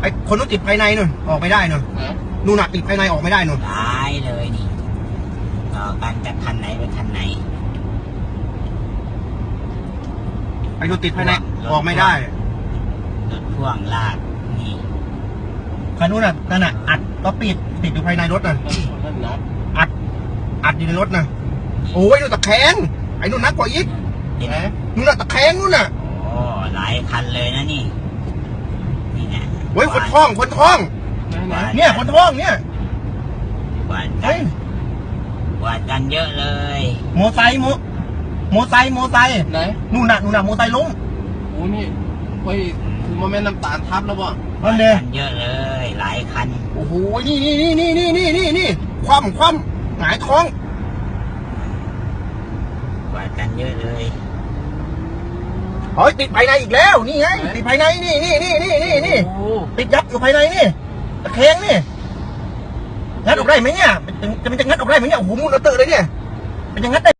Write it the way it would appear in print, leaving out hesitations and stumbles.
อ้คนนู้นติดภายในนู่นออกไม่ได้นู่นนู่นน่ะติดภายในออกไม่ได้นู่นตายเลยนี่ต่อกันจากคันไหนไปคันไหนไอ้นู่นติดภายในออกไม่ได้รถพ่วงลากนี่คันนู้นน่ะนั่นน่ะอัดก็ปิดติดอยู่ภายในรถน่ะอัดอยู่ในรถน่ะโอ้ยนู่นตะแคงไอ้นู่นนักกว่าอีกนู่นน่ะตะแคงนู่นน่ะโอ้หลายคันเลยนะนี่นะเฮ้ยคนท้องเนี่ยคนท้องเนี่ยกวาดกันเยอะเลยโมไซค์ไหนนู่นน่ะโมไซค์ล้มโอ้นี่เฮ้ยคือโมเมนต์น้ำตาลทับแล้วบ่นั่นเลยเยอะเลยหลายคันโอ้โหนี่คว่ำหงายท้องกวาดกันเยอะเลยเฮ้ยติดภายในอีกแล้วนี่ไงติดภายในนี่ติดยับอยู่ภายในนี่ตะแคงนี่งัดออกได้ไหมเนี่ยมันจะงัดออกได้ไหมเนี่ยโอ้โหมุนระเตอเลยเนี่ยมันจะงัดได้